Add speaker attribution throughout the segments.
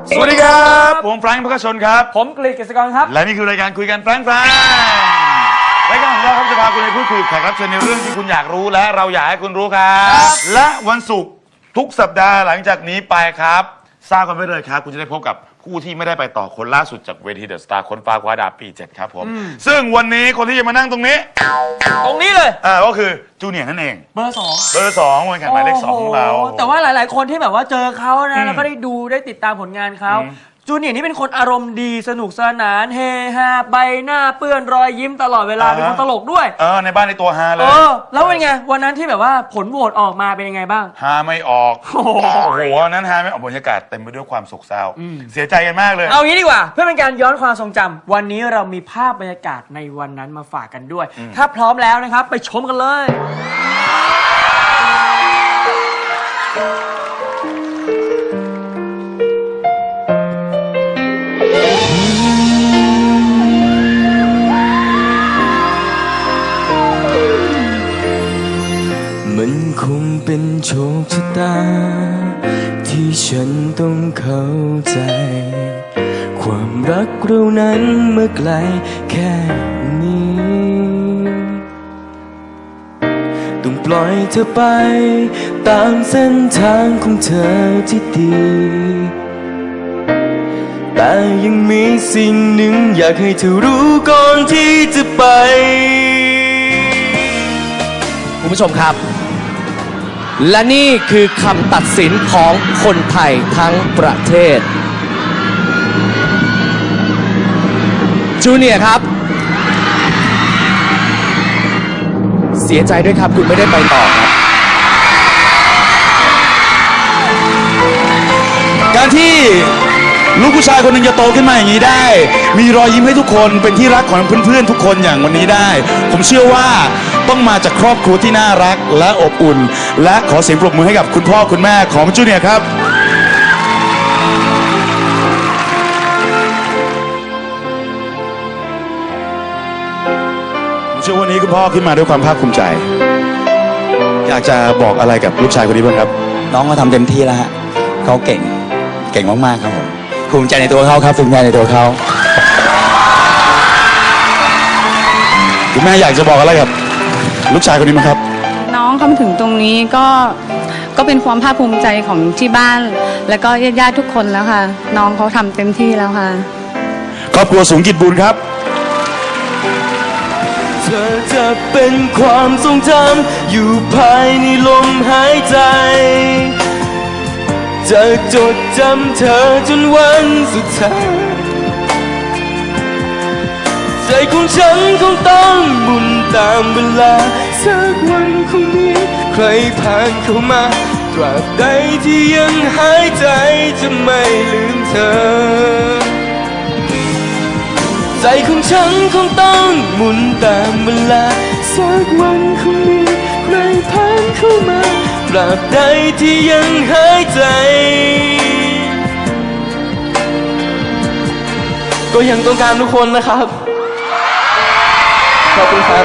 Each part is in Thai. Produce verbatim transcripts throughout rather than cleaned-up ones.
Speaker 1: สวัสดีครับผมแฟรงค์พกชนครับ
Speaker 2: ผมกฤษ กฤษกรครับ
Speaker 1: และนี่คือรายการคุยกันแฟรงค์แฟรงค์รายการของเราครับจะพาคุณไปพูดคุยกับแขกรับเชิญในเรื่องที่คุณอยากรู้และเราอยากให้คุณรู้ครับและวันศุกร์ทุกสัปดาห์หลังจากนี้ไปครับทราบกันไปเลยครับคุณจะได้พบกับผู้ที่ไม่ได้ไปต่อคนล่าสุดจากเวทีเดอะสตาร์คนฟ้าคว้าดาวปีเจ็ดครับผมซึ่งวันนี้คนที่จะมานั่งตรงนี้
Speaker 2: ตรงนี้เลย
Speaker 1: อ่าก็คือจูเนียร์นั่นเอง
Speaker 2: เบอร์สอง
Speaker 1: เบอร์สองวันแข่งหมายเลขสองของเรา
Speaker 2: แต่ว่าหลายๆคนที่แบบว่าเจอเขานะแล้วก็ได้ดูได้ติดตามผลงานเขาจูเนียร์นี่เป็นคนอารมณ์ดีสนุกสนานเฮฮาใบหน้าเปื้อนรอยยิ้มตลอดเวลาเป็นคนตลกด้วย
Speaker 1: เออในบ้านในตัวฮาเลย
Speaker 2: เออแล้วเป็นไงวันนั้นที่แบบว่าผลโหวตออกมาเป็นยังไงบ้าง
Speaker 1: ฮาไม่ออกโอ้โหวันนั้นฮาไม่ออกบรรยากาศเต็มไปด้วยความโศกเศร้าเสียใจกันมากเลย
Speaker 2: เอางี้ดีกว่าเพื่อเป็นการย้อนความทรงจำวันนี้เรามีภาพบรรยากาศในวันนั้นมาฝากกันด้วยถ้าพร้อมแล้วนะครับไปชมกันเลย
Speaker 3: มันคงเป็นโชคชะตาที่ฉันต้องเข้าใจความรักเรานั้นเมื่อไกลแค่นี้ต้องปล่อยเธอไปตามเส้นทางของเธอที่ดีแต่ยังมีสิ่งหนึ่งอยากให้เธอรู้ก่อนที่จะไปคุณผู้ชมครับและนี่คือคำตัดสินของคนไทยทั้งประเทศจูเนียร์ครับเสียใจด้วยครับคุณไม่ได้ไปต่อครับ
Speaker 1: การที่ลูกผู้ชายคนหนึ่งจะโตขึ้นมาอย่างนี้ได้มีรอยยิ้มให้ทุกคนเป็นที่รักของเพื่อนๆทุกคนอย่างวันนี้ได้ผมเชื่อว่าต้องมาจากครอบครัวที่น่ารักและอบอุ่นและขอเสียงปรบมือให้กับคุณพ่อคุณแม่ของจูเนียร์ครับผมเชื่อวันนี้คุณพ่อขึ้นมาด้วยความภาคภูมิใจอยากจะบอกอะไรกับลูกชายคนนี้บ้างครับ
Speaker 4: น้องเขาทำเต็มที่แล้วฮะเขาเก่งเก่งมากๆครับผมภูมิใจในตัวเขาครับภูมิใจในตัวเขา
Speaker 1: คุณแม่อยากจะบอกอะไรกับลูกชายคนนี้มั้ยครับ
Speaker 5: น้องเขามาถึงตรงนี้ก็ก็เป็นความภาคภูมิใจของที่บ้านแล้วก็ญาติๆทุกคนแล้วค่ะน้องเขาทำเต็มที่แล้วค่ะ
Speaker 1: ครอบครัวสูงกิจบุญครับ
Speaker 3: เธอจะเป็นความทรงจำอยู่ภายในลมหายใจจะจดจำเธอจนวันสุดท้ายใจของฉันคงต้องหมุนตามเวลาสักวันคงมีใครผ่านเข้ามาตราบใดที่ยังหายใจจะไม่ลืมเธอใจของฉันคงต้องหมุนตามเวลาสักวันคงมีใครผ่านเข้ามาตราบใดที่ยังหายใจก็ยังต้องการทุกคนนะครับขอบคุณครับ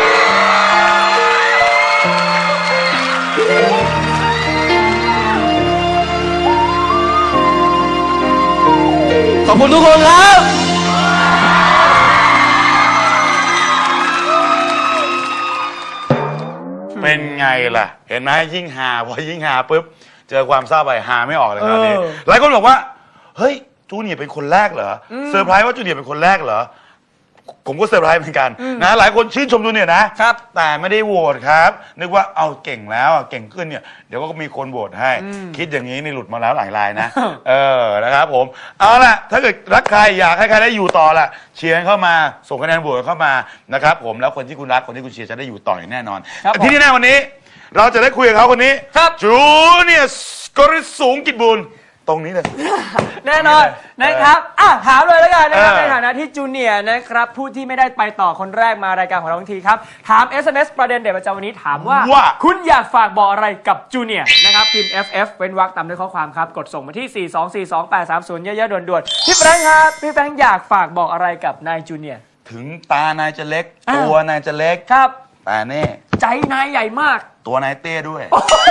Speaker 3: ขอบคุณทุกคนครับ
Speaker 1: เป็นไงล่ะเห็นไหมยิ่งหาพอยิ่งหาปุ๊บเจอความเศร้าไปหาไม่ออกเลยครับนี่หลายคนบอกว่าเฮ้ยจูเนียร์เป็นคนแรกเหรอเซอร์ไพรส์ว่าจูเนียร์เป็นคนแรกเหรอผมก็เซอร์ไพรส์เหมือนกันนะหลายคนชื่นชมจูเนียร์นะครับแต่ไม่ได้โหวตครับนึกว่าเอาเก่งแล้วเก่งขึ้นเนี่ยเดี๋ยวก็มีคนโหวตให้คิดอย่างนี้นี่หลุดมาแล้วหลายรายนะเออนะครับผมเอาล่ะถ้าเกิดรักใครอยากให้ใครได้อยู่ต่อล่ะเชียร์เข้ามาส่งคะแนนโหวตเข้ามานะครับผมแล้วคนที่คุณรักคนที่คุณเชียร์จะได้อยู่ต่ออย่างแน่นอนที่นี่แน่วันนี้เราจะได้คุยกับเขาคนนี้จูเนียร์กฤษสูงกิจบุญตรงนี้เลย
Speaker 2: แน่นอนนะครับอ่ะถามเลยแล้วกันนะครับในฐานะที่จูเนียร์นะครับผู้ที่ไม่ได้ไปต่อคนแรกมารายการของเราทันทีครับถาม เอส เอ็ม เอส ประเด็นเด็ดประจำวันนี้ถามว่าคุณอยากฝากบอกอะไรกับจูเนียร์นะครับพิมพ์ เอฟ เอฟ เว้นวรรคตามด้วยข้อความครับกดส่งมาที่ สี่สองสี่สองแปดสามศูนย์ เยอะๆด่วนๆพี่แฟรงค์ครับพี่แฟรงค์อยากฝากบอกอะไรกับนายจูเนียร์
Speaker 1: ถึงตานายจะเล็กตัวนายจะเล็ก
Speaker 2: ครับ
Speaker 1: แต่แน่
Speaker 2: ใจนายใหญ่มาก
Speaker 1: ตัวนายเต้ด้วย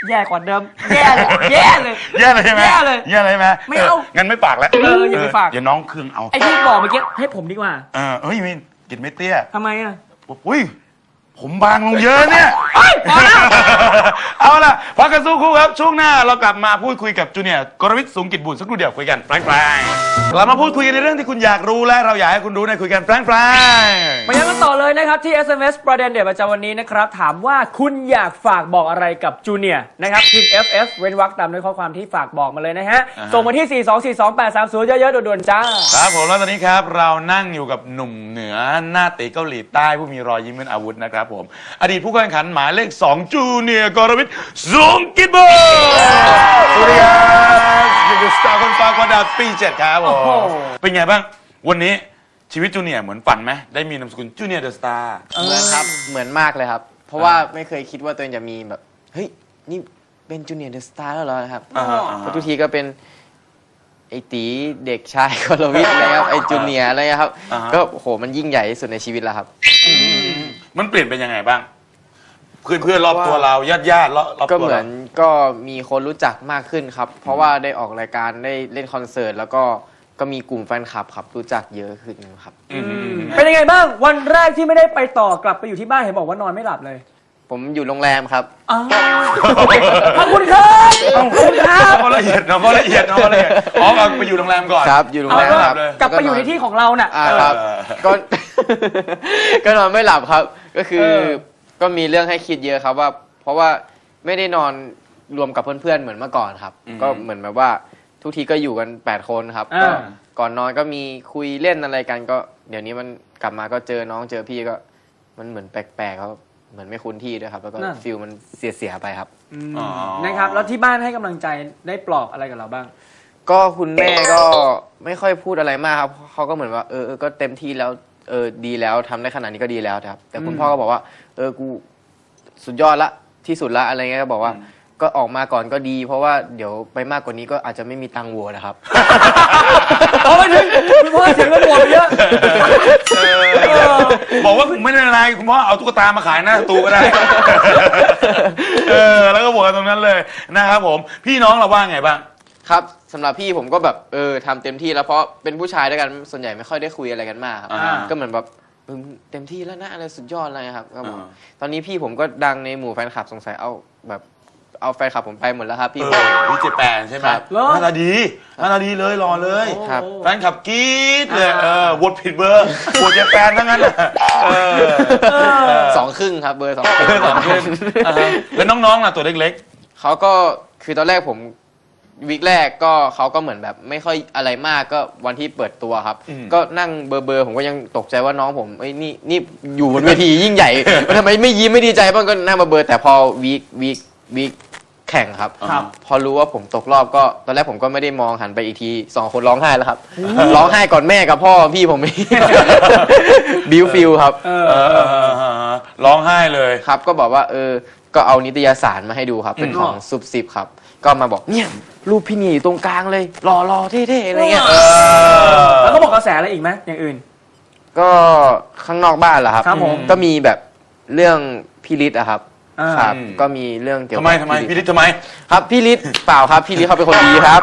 Speaker 2: แย่กว่าเดิมแย่เลยแย่เลย
Speaker 1: แย่เลยใช่ไหม
Speaker 2: แย่เลย
Speaker 1: แย่เลยใช่ไหม
Speaker 2: ไม่เอา
Speaker 1: งั้นไม่ฝากแล้ว
Speaker 2: เอออย่าไปฝาก
Speaker 1: เดี๋ยวน้องเครื่องเอา
Speaker 2: ไอ้ที่บอกเมื่อกี้ให้ผมดีกว่า
Speaker 1: เออเฮ้ยมินกินไม่เตี้ย
Speaker 2: ทำไมอ่ะ
Speaker 1: อุ้ยผมบางลงเยอะเนี่ย
Speaker 2: พอแล้ว
Speaker 1: เอาล่ะพักกันสู้ครู่ครับช่วงหน้าเรากลับมาพูดคุยกับจูเนียร์กรวิทย์สูงกิจบุญสักครู่เดียวคุยกันแฟรงๆเรามาพูดคุยกันในเรื่องที่คุณอยากรู้และเราอยากให้คุณรู้ในคุยกันแฟรงๆ
Speaker 2: มายังกันต่อเลยนะครับที่ เอส เอ็ม เอส ประเด็นเด็ดประจำวันนี้นะครับถามว่าคุณอยากฝากบอกอะไรกับจูเนียร์นะครับพิมพ์ เอฟ เอส เว้นวรรคตามด้วยข้อความที่ฝากบอกมาเลยนะฮะ
Speaker 1: อ่าฮะ
Speaker 2: ส่งมาที่ สี่ สอง สี่ สอง แปด สาม ศูนย์ เยอะๆด่วนๆจ้า
Speaker 1: ครับผมแล้วตอนนี้ครับเรานั่งอยู่กับหนุ่มเหนือหน้าตีเกาหลีใต้ผู้มีรอยยิ้มเป็นอาวุธนะครับผมอดีตผู้แข่งขันหมายเลขสองจูเนียร์กรวิทย์สูงกิจบุญสวัสดีครับนี่คือสตาร์คนฟ้าคนดาวปีเจ็ดครับผ
Speaker 2: โอ้โห
Speaker 1: มเป็นไงบ้างวันนี้ชีวิตจูเนียร์เหมือนฝันไหมได้มีนามสกุลจูเนียร์เดอะสตาร์
Speaker 6: เหมือนครับ เหมือนมากเลยครับ เพราะว่าไม่เคยคิดว่าตัวเองจะมีแบบ เฮ้ย นี่เป็นจูเนียร์เดอะสตาร์แล้วเหรอครับ
Speaker 1: อ่าฮะอ่าฮะ
Speaker 6: เพราะทุกทีก็เป็นไอตีเด็กชายกรวิทย์อะไรครับ ไอจูเนียร์อะไรครับ
Speaker 1: อ่าฮะ
Speaker 6: ก็โห มันยิ่งใหญ่ที่สุดในชีวิตแล้วครับ
Speaker 1: มันเปลี่ยนเป็นยังไงบ้าง เพื่อนเพื่อนๆรอบตัวเราญาติญาติๆรอบรอบ
Speaker 6: ก็
Speaker 1: ตัว
Speaker 6: เหมื
Speaker 1: เรา
Speaker 6: อนก็มีคนรู้จักมากขึ้นครับ เพราะว่าได้ออกรายการได้เล่นคอนเสิร์ตแล้วก็ก็มีกลุ่มแฟนคลับครับรู้จักเยอะขึ้นครับ
Speaker 1: อืม
Speaker 2: เป็นยังไงบ้างวันแรกที่ไม่ได้ไปต่อกลับไปอยู่ที่บ้านเห็นบอกว่านอนไม่หลับเลย
Speaker 6: ผมอยู่โรงแรมครับ
Speaker 2: อ้าวขอบคุณครับขอบคุณครับ
Speaker 1: น้องละเอียดน้องก็ละเอียดน้องก็ละเอียดอ๋อเอาไปอยู่โรงแรมก่อน
Speaker 6: ครับ อยู่โรง
Speaker 2: เอา
Speaker 6: แรม
Speaker 2: ก็
Speaker 6: ครับ
Speaker 2: กลับไปอยู่ในที่ของเราน่ะ
Speaker 6: อ่าครับ
Speaker 1: เออ
Speaker 6: ก็ ก็นอนไม่หลับครับ ก็คือ
Speaker 2: เออ
Speaker 6: ก็มีเรื่องให้คิดเยอะครับว่า เพราะว่าไม่ได้นอนรวมกับเพื่อนๆเหมือนเมื่อก่อนครับ
Speaker 1: อืม
Speaker 6: ก็เหมือนแบบว่าทุกทีก็อยู่กันแปดคนครับก็
Speaker 2: อ่า
Speaker 6: ก่อนนอนก็มีคุยเล่นอะไรกันก็ เดี๋ยวนี้มันกลับมาก็เจอน้องเจอพี่ก็ มันเหมือนแปลกๆครับเหมือนไม่คุ้นที่ด้วยครับ แล้วก็
Speaker 2: นั่น
Speaker 6: ฟิลมันเสียๆไปครับ
Speaker 1: อ๋อ
Speaker 2: นะครับแล้วที่บ้านให้กำลังใจได้ปลอบอะไรกับเราบ้าง
Speaker 6: ก็คุณแม่ก็ไม่ค่อยพูดอะไรมากครับเขาก็เหมือนว่าเออเออก็เต็มที่แล้วเออดีแล้วทำได้ขนาดนี้ก็ดีแล้วครับ แต่คุณ
Speaker 2: อืม
Speaker 6: พ่อก็บอกว่า เออกูสุดยอดละที่สุดละอะไรเงี้ยก็บอกว่า ก็ออกมาก่อนก็ดี เพราะว่าเดี๋ยวไปมากกว่านี้ก็อาจจะไม่มีตังค์วัวนะครับ
Speaker 2: โอ้ยถึงคุณพ่อเสียงระบวดเยอะ
Speaker 1: เออบอกว่าไม่ได้อะไรคุณพ่อเอาตุ๊กตามาขายหน้าสตูก็ได้ เออแล้วก็บอกกันตรงนั้นเลยนะครับผมพี่น้องเราว่าไงบ้าง
Speaker 6: ครับสำหรับพี่ผมก็แบบเออทำเต็มที่แล้วเพราะเป็นผู้ชายด้วยกันส่วนใหญ่ไม่ค่อยได้คุยอะไรกันมากครับ
Speaker 1: อ่า
Speaker 6: ก็เหมือนแบบเออเต็มที่แล้วนะอะไรสุดยอดอะไรครับก็บอก
Speaker 1: อ่า
Speaker 6: ตอนนี้พี่ผมก็ดังในหมู่แฟนคลับสงสัยเอาแบบเอาแฟนคลับผมไปหมดแล้วครับพี่
Speaker 1: เอ
Speaker 6: ผม
Speaker 1: อพี่เจแปนใช่ไหม
Speaker 6: ครับ
Speaker 2: เหรอ
Speaker 1: หน้าตาดีหน้าตาดีเลยรอเลย
Speaker 6: ครับ
Speaker 1: แฟนขับกรี๊ดเลยเออวดผิดเบอร์วดเจแปนทั้งนั้นน่ะเออ
Speaker 6: สองครึ่งครับเบอร์สองครึ่ง
Speaker 1: เบอร์สองครึ่งอ่าฮะแล้วน้องๆล่ะตัวเล็ก
Speaker 6: เขาก็คือตอนแรกผมวีคแรกก็เขาก็เหมือนแบบไม่ค่อยอะไรมากก็วันที่เปิดตัวครับ ก็นั่งเบอร์เบอร์ผมก็ยังตกใจว่าน้องผมเอ้ยนี่นี่อยู่บนเวทียิ่งใหญ่ ทำไมไม่ยิ้มไม่ดีใจบ้างก็นั่งเบอร์เบอร์แต่พอวีควีควีคแข่งครับ
Speaker 1: ครับ
Speaker 6: พอรู้ว่าผมตกรอบก็ตอนแรกผมก็ไม่ได้มองหันไปอีกทีสองคนร้องไห้แล้วครับร้องไห้ก่อนแม่กับพ่อพี่ผม บิวฟิลครับ
Speaker 2: เอ
Speaker 1: ๆเอ
Speaker 2: อ
Speaker 1: อเออเออเออร้องไห้เลย
Speaker 6: ครับก็บอกว่าเออก็เอานิตยสารมาให้ดูครับ เป็นของ
Speaker 2: อืม
Speaker 6: ซุปซิปครับ ก็มาบอกเนี่ยรูปพี่นี่อยู่ตรงกลางเลยหล่อรอเท่ๆอะไรเงี้ย
Speaker 1: เออ
Speaker 2: แล้วก็บอกกระแสอะไรอีกไหมอย่างอื่น
Speaker 6: ก็ข้างนอกบ้านเหรอครับ
Speaker 2: ครับผม
Speaker 6: ก็มีแบบเรื่องพี่ฤทธิ์อะครับ
Speaker 2: อ่า
Speaker 6: ครับ
Speaker 1: อืม
Speaker 6: ก็มีเรื่องเกี่ยว
Speaker 1: ทำไมทำไมพี่
Speaker 6: ฤ
Speaker 1: ฤ
Speaker 6: ท
Speaker 1: ท
Speaker 6: ธิ์
Speaker 1: ธิ์ทำไม
Speaker 6: ครับพี่ฤทธิ์เปล่าครับพี่ฤทธิ์เขาเป็นคนดีครับ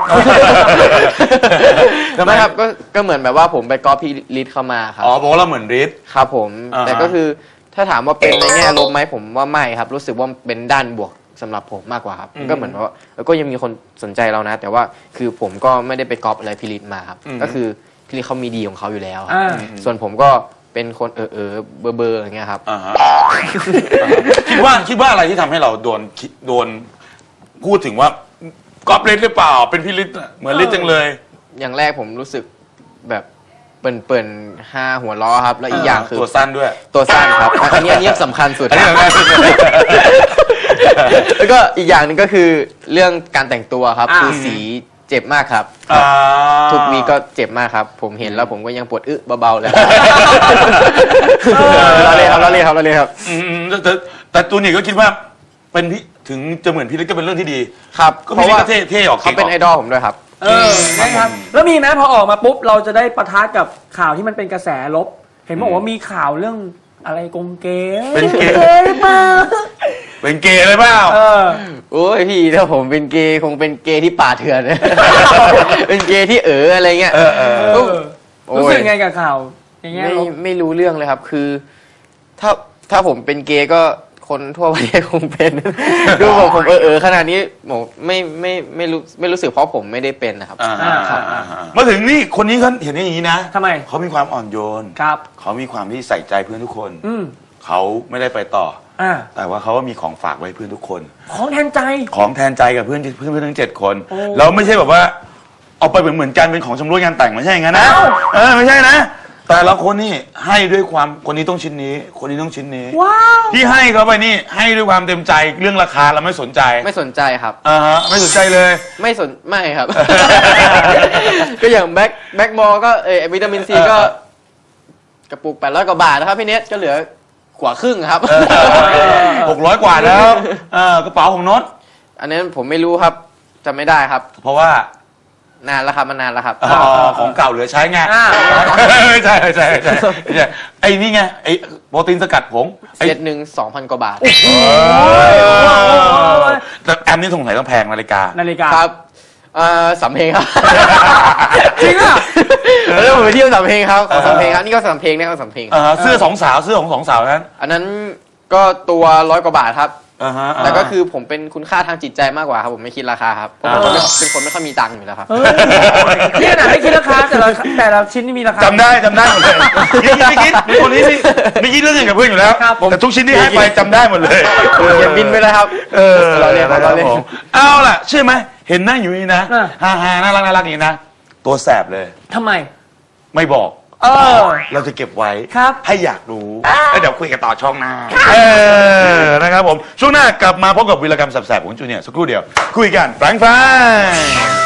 Speaker 1: ทำไม
Speaker 6: ไม่ครับก็ก็เหมือนแบบว่าผมไปก๊อปพี่ฤทธิ์เข้ามาครับ
Speaker 1: อ๋อบอกว่าเราเหมือนฤทธิ์
Speaker 6: ครับผม
Speaker 1: อ่าฮะ
Speaker 6: แต่ก็คือถ้าถามว่าเป็นในแง่ลบไหมผมว่าไม่ครับ รู้สึกว่าเป็นด้านบวกสำหรับผมมากกว่าครับก็เหมือนว่าเออก็ยังมีคนสนใจเรานะ แต่ว่าคือผมก็ไม่ได้ไปก๊อปอะไรพี่ฤทธิ์มาครับก็คือพี่ฤทธิ์เขามีดีของเขาอยู่แล้วครับ
Speaker 2: อ่า
Speaker 6: ส่วนผมก็เป็นคนเออเออเบอร์เบอร์อย่างเงี้ยครับ
Speaker 1: อ่าฮะคิดว่าคิดว่าอะไรที่ทำให้เราโดนคิดโดนพูดถึงว่าก๊อปฤทธิ์หรือเปล่าเป็นพี่ฤทธิ์เหมือนฤทธิ์จังเลย
Speaker 6: อย่างแรกผมรู้สึกแบบเปิ่นเปิ่นๆห้าหัวล้อครับ แล้วอีกอย่างคือ
Speaker 1: ตัวสั้นด้วย
Speaker 6: ตัวสั้นครับอันนี้อันนี้สำคัญสุด
Speaker 1: อันนี้
Speaker 6: ครับ
Speaker 1: สำคัญสุด
Speaker 6: แล้วก็อีกอย่างหนึงก็คือเรื่องการแต่งตัวครับ
Speaker 2: อ่า
Speaker 6: คือสีเจ็บมากครับ
Speaker 1: อ่า
Speaker 6: ทุกวีก็เจ็บมากครับ ผมเห็นแล้วผมก็ยังปวดอึเบาๆเลยเราเล่นครับเราเล่นครับเราเล่นครับ
Speaker 1: อืมแต่แต่แต่ตัวนี้ก็คิดว่าเป็นพี่ถึงจะเหมือนพี่ฤทธิ์ก็เป็นเรื่องที่ดี
Speaker 6: ครับ
Speaker 1: ก็
Speaker 6: เพ
Speaker 1: พี่
Speaker 6: ราะ
Speaker 1: ฤทธิ์
Speaker 6: ว่า
Speaker 1: ก็เท่เท่ออก
Speaker 6: เขาเป็นไอ
Speaker 1: ก่งก
Speaker 6: ดอลผมด้วยครับ
Speaker 2: เออนะครับแล้วมีไหมพอออกมาปุ๊บเราจะได้ปะทะกับข่าวที่มันเป็นกระแสลบ เห็นบอกว่ามีข่าวเรื่องอะไรกงเกย์
Speaker 1: เป็นเกย์
Speaker 2: ย์หรือเปล่า
Speaker 1: เป็นเกย์เลยเปล่า
Speaker 2: เออ
Speaker 6: โอ้ยพี่ถ้าผมเป็นเกย์คงเป็นเกย์ที่ป่าเถื่อน เป็นเกย์ที่เอ๋ออะไรเงี้ย
Speaker 1: เออเออ
Speaker 2: เออ
Speaker 6: โอ้ย
Speaker 2: รู้สึกไงกับข่าวอย่างเงี้ย
Speaker 6: ไม่
Speaker 2: ลูก
Speaker 6: ไม่รู้เรื่องเลยครับ คือ ถ้าถ้าผมเป็นเกย์ก็คนทั่วประเทศคงเป็น ดูผมผมเออเออขนาดนี้ผมไม่ไม่ไม่รู้ไม่รู้สึกเพราะผมไม่ได้เป็นนะครับ
Speaker 1: อ่า
Speaker 2: อ่า
Speaker 1: อ่าอ่าอ่ามาถึงนี่คนนี้เขาเห็นอย่างนี้นะ
Speaker 2: ทำไม
Speaker 1: เขามีความอ่อนโยน
Speaker 2: ครับ
Speaker 1: เขามีความที่ใส่ใจเพื่อนทุกคน
Speaker 2: อืม
Speaker 1: เขาไม่ได้ไปต่อ
Speaker 2: อ่า
Speaker 1: แต่ว่าเขาก็มีของฝากไว้เพื่อนทุกคน
Speaker 2: ของแทนใจ
Speaker 1: ของแทนใจกับเพื่อนเพื่อนเพื่อนทั้งเจ็ดคน
Speaker 2: โอ้
Speaker 1: แล้วไม่ใช่แบบว่าเอาไปเหมือนเหมือนกันเป็นของชำร่วยงานแต่งไม่ใช่อย่างนั้นนะ
Speaker 2: เอ้า
Speaker 1: เออไม่ใช่นะ แต่ละคนนี่ให้ด้วยความคนนี้ต้องชิ้นนี้ คนนี้ต้องชิ้นนี้
Speaker 2: ว้าว
Speaker 1: ที่ให้เขาไปนี่ให้ด้วยความเต็มใจเรื่องราคาเราไม่สนใจ
Speaker 6: ไม่สนใจครับ
Speaker 1: อ่าฮะไม่สนใจเลย
Speaker 6: ไม่สนไม่ครับ ก็อย่างแบ็คแบ็คมอลก็เออวิตามินซีก็ กระปุกแปดร้อยกว่าบาทนะครับพี่เนทก็เหลือกว่าครึ่งครับ
Speaker 1: หกร้อยกว่าแล้วเออกระเป๋าของโน้ต
Speaker 6: อันนี้ผมไม่รู้ครับจำไม่ได้ครับ
Speaker 1: เพราะว่า
Speaker 6: นานแล้วครับมันนานแล้วครับ
Speaker 1: อ๋อของเก่าเหลือใช้ไง
Speaker 2: อ่า
Speaker 1: ใช่ใช่ใช่ใช่ไอ้นี่ไงไอ้โปรตีนสกัดผงไอ้
Speaker 6: เซตหนึ่งสองพันกว่าบาท
Speaker 1: เออแต่แอมนี่สงสัยต้องแพงนาฬิกา
Speaker 2: นาฬิกา
Speaker 6: ครับเอ่อสำเพ็งครับ
Speaker 2: จริงอ่ะ
Speaker 6: แล้วผมไปเที่ยวสำเพ็งครับของสำเพ็งครับนี่ก็สำเพ็งนี่ก็สำเพ็ง
Speaker 1: อ่าฮะเสื้อสองสาวเสื้อของสองสาวนั้น
Speaker 6: อันนั้นก็ตัวร้อยกว่าบาทครับ
Speaker 1: อ่าฮะ
Speaker 6: แต่ก็คือผมเป็นคุณค่าทางจิตใจมากกว่าครับผมไม่คิดราคาครับผมเป็นคนไม่เป็นคนไม่ค่อยมีตังค์อยู่แล้วครับ
Speaker 2: เฮ้ยนี่ขนาดไม่คิดราคาแต่ละแต่ละชิ้นนี่มีราคา
Speaker 1: จำได้จำได้หมดเลยไม่คิดไม่คิดคนนี้นี่ไม่คิดเรื่องเงินกับเพื่อนอยู่แล้ว
Speaker 2: ครับผม
Speaker 1: แต่ทุกชิ้นที่ให้ไปจำได้หมดเลย
Speaker 6: อย่าบินไปเลยครับ
Speaker 1: เออ
Speaker 6: เราเรียนครับเราเรียน
Speaker 1: ผมเอาล่ะเชื่อไหมเห็นนั่งอยู่นี่นะฮ่าฮ่าน่ารักน่ารักอย่างนี้นะตัวแสบเลย
Speaker 2: ทำไม
Speaker 1: ไม่บอก
Speaker 2: เออ
Speaker 1: เราจะเก็บไว้
Speaker 2: ครับ
Speaker 1: ให้อยากรู้แล้วเดี๋ยวคุยกันต่อช่องหน้าเออนะครับผมช่วงหน้ากลับมาพบกับวีรกรรมแสบๆของจูเนียร์สักครู่เดียว คุยกันแฟรงค์